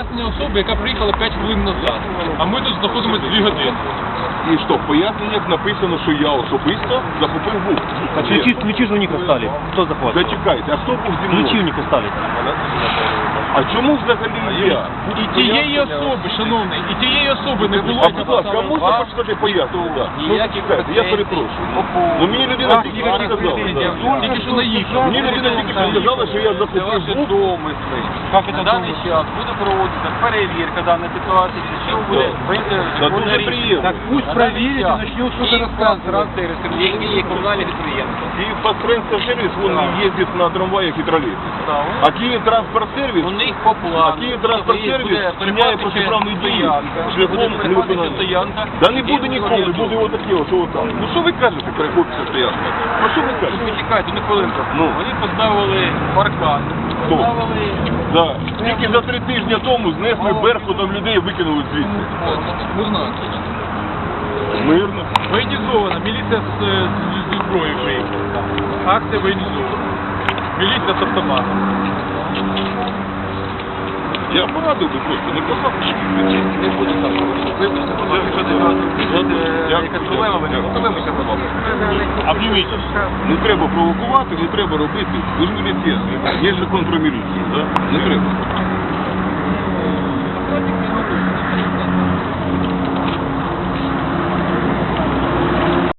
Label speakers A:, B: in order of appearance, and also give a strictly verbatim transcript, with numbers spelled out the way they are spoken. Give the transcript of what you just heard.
A: пояснення особи, яка приїхала п'ять хвилин назад. А ми тут знаходимося дві години.
B: І що, в поясненнях написано, що я особисто захопив був.
C: А ключи, ключи же у них остались. Кто захватил?
B: Зачекайте, а хто був зі мною?
C: Ключи у них остались.
B: А чому взагалі я?
A: І тієї особи, шановний, і тієї особи не було.
B: А будь ласка, можна почитати пояснення? Ну, чекайте, я перепрошую. Ну, мені людина тільки що сказала.
A: Тільки що наїхав.
B: Мені людина тільки що сказала, що я захопив був.
D: На даний час буде проводитися перевірка даної ситуації, що буде
B: Та дуже приємно.
D: Так пусть проверить и начнет что-то рассказывать. Які є комунальні підприємства.
B: Київпастренспортсервіс, вони їздять на трамваях і тролейбусах. А Київтранспортсервіс,
D: У них по
B: а
D: плану.
B: Київтранспортсервіс вчиняє протиправні дії шляхом невиконання.
D: стоянка.
B: Да не буде ніколи, буде отаке, що отак. Ну що ви кажете, перехопця стоянка? Ну що ви кажете?
D: Почекайте, ну хвилинку.
B: Ну.
D: Вони поставили паркан.
B: Хто?
D: Поставили...
B: Да. Тільки за три тижні тому знесли беркутом людей і викинули звідси.
A: Мирно.
B: Мирно.
A: Воєнізована, міліція з, з, зі зброєю приїхала. Акція воєнізована. Міліція з автоматом.
B: Я порадив би просто, не казав.
D: Не буде так. Вибачте, будь ласка, що не якась проблема виникла, то вибачте, будь ласка.
B: Обніміть. Не треба провокувати, не треба робити. Ви ж міліцейські. Є ж закон про міліцію, так? Не треба.